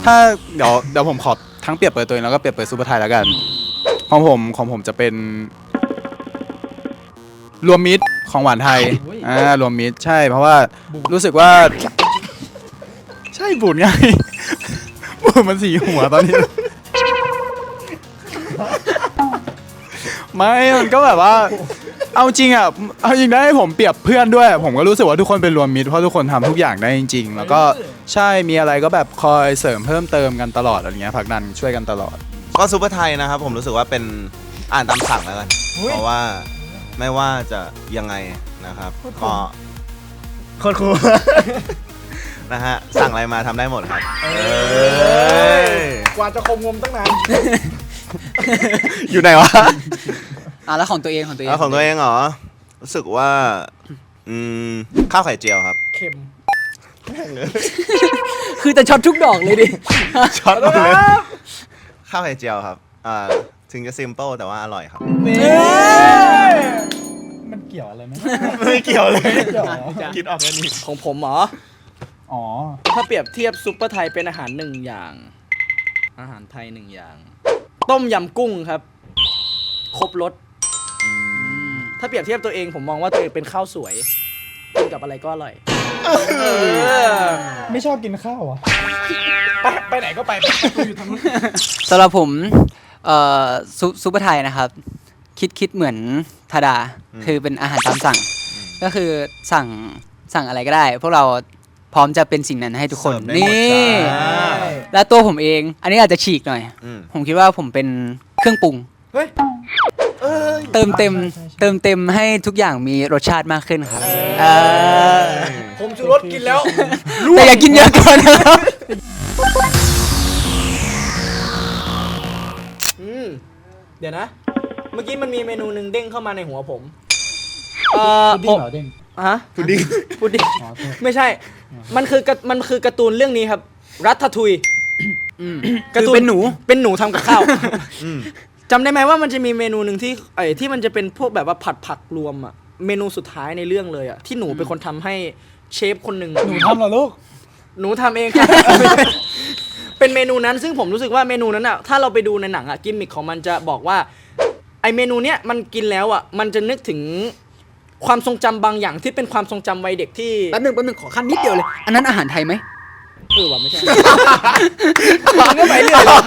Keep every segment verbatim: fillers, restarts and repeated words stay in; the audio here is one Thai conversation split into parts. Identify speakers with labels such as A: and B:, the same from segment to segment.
A: ถ้าเดี๋ยวเดี๋ยวผมขอทั้งเปรียบเปิดตัวเองแล้วก็เปรียบเปิดซูเปอร์ไทยแล้วกันของผมของผมจะเป็นรวมมิตรของหวานไทยอ่ารวมมิตรใช่เพราะว่ารู้สึกว่าใช่บุญไงบุญมันสีหัวตอนนี้ไม่มันก็แบบว่าเอาจริงอ่ะเอาจริงได้ผมเปรียบเพื่อนด้วยผมก็รู้สึกว่าทุกคนเป็นรวมมิตรเพราะทุกคนทำทุกอย่างได้จริงๆแล้วก็ใช่มีอะไรก็แบบคอยเสริมเพิ่มเติมกันตลอดอะไรเงี้ยผลักดันช่วยกันตลอด
B: ก็ซูเปอร์ไทยนะครับผมรู้สึกว่าเป็นอ่านตามสั่งแล้วกันเพราะว่าไม่ว่าจะยังไงนะครับก็โคตรคูลนะฮะสั่งอะไรมาทำได้หมดครับ
C: กว่าจะคงงมตั้งนาน
B: อยู่ไหนวะ
D: อ่ะแล้วของตัวเองของตัวเอง
B: ของตัวเองเหรอรู้สึกว่าอืมข้าวไข่เจียวครับ
C: เค็ม
D: คือแต่ช็อตทุกดอกเลยดิ
B: ช็อตเลยข้าวไข่เจียวครับอ่าถึงจะซิมเปิลแต่ว่าอร่อยครับ
C: มันเกี่ยวอะไรไหม
B: ไม่เกี่ยวเลยคิดออกแค่นี้
E: ของผมเหรอ
C: อ๋อ
E: ถ้าเปรียบเทียบซุปเปอร์ไทยเป็นอาหารหนึ่งอย่างอาหารไทยหนึ่งอย่างต้มยำกุ้งครับครบรสถ้าเปรียบเทียบตัวเองผมมองว่าตัวเองเป็นข้าวสวยกินกับอะไรก็อร่อย
C: ไม่ชอบกินข้าวอ่ะไปไปไหนก็ไปอยู่ทางนู้น
D: สำหรับผมเอ่อซุซุปเปอร์ไทยนะครับคิดคิดเหมือนธาดาคือเป็นอาหารตามสั่งก็คือสั่งสั่งอะไรก็ได้พวกเราพร้อมจะเป็นสิ่งนั้นให้ทุกคนนี่และตัวผมเองอันนี้อาจจะฉีกหน่อยผมคิดว่าผมเป็นเครื่องปรุงเติมเต็มเติมเต็มให้ทุกอย่างมีรสชาติมากขึ้นครับ
C: ผมชูรสกินแล้ว
D: แต่อย่ากินเยอะเกินนะครับ
E: อืมเดี๋ยวนะเมื่อกี้มันมีเมนูหนึ่งเด้งเข้ามาในหัวผมเอ่อผมฮะพุดดิ้งพุดดิ้งไม่ใช่มันคือมันคือการ์ตูนเรื่องนี้ครับรัตทุย
D: การ์ตูนเป็นหนู
E: เป็นหนูทำกับข้าวจำได้ไหมว่ามันจะมีเมนูหนึ่งที่ไอ้ที่มันจะเป็นพวกแบบว่าผัดผักรวมอ่ะเมนูสุดท้ายในเรื่องเลยอ่ะที่หนูเป็นคนทำให้เชฟคนหนึ่ง
C: หนูทำเหรอลูก
E: หนูทำเองครับเป็นเมนูนั้นซึ่งผมรู้สึกว่าเมนูนั้นอ่ะถ้าเราไปดูในหนังอ่ะกิมมิคของมันจะบอกว่าไอ้เมนูเนี้ยมันกินแล้วอ่ะมันจะนึกถึงความทรงจำบางอย่างที่เป็นความทรงจำวัยเด็กที่
D: แป๊บนึงแป๊บนึงขอขั้นนิดเดียวเลยอันนั้นอาหารไทยไหม
E: เออว่ะไม่ใช่มันก็ไปเรื่อย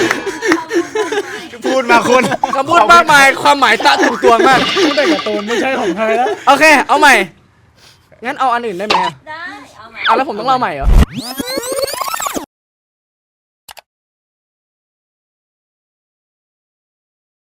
B: พูดมาคุณ
E: คำพูดมากมายความหมายตะถึงตัวมาก
C: พูดได้กับตูนไม่ใช่ของไทยแล้ว
E: โอเคเอาใหม่งั้นเอาอันอื่นได้ไหมได้เอาใหม่เอาแล้วผมต้องเล่าใหม่เหรอ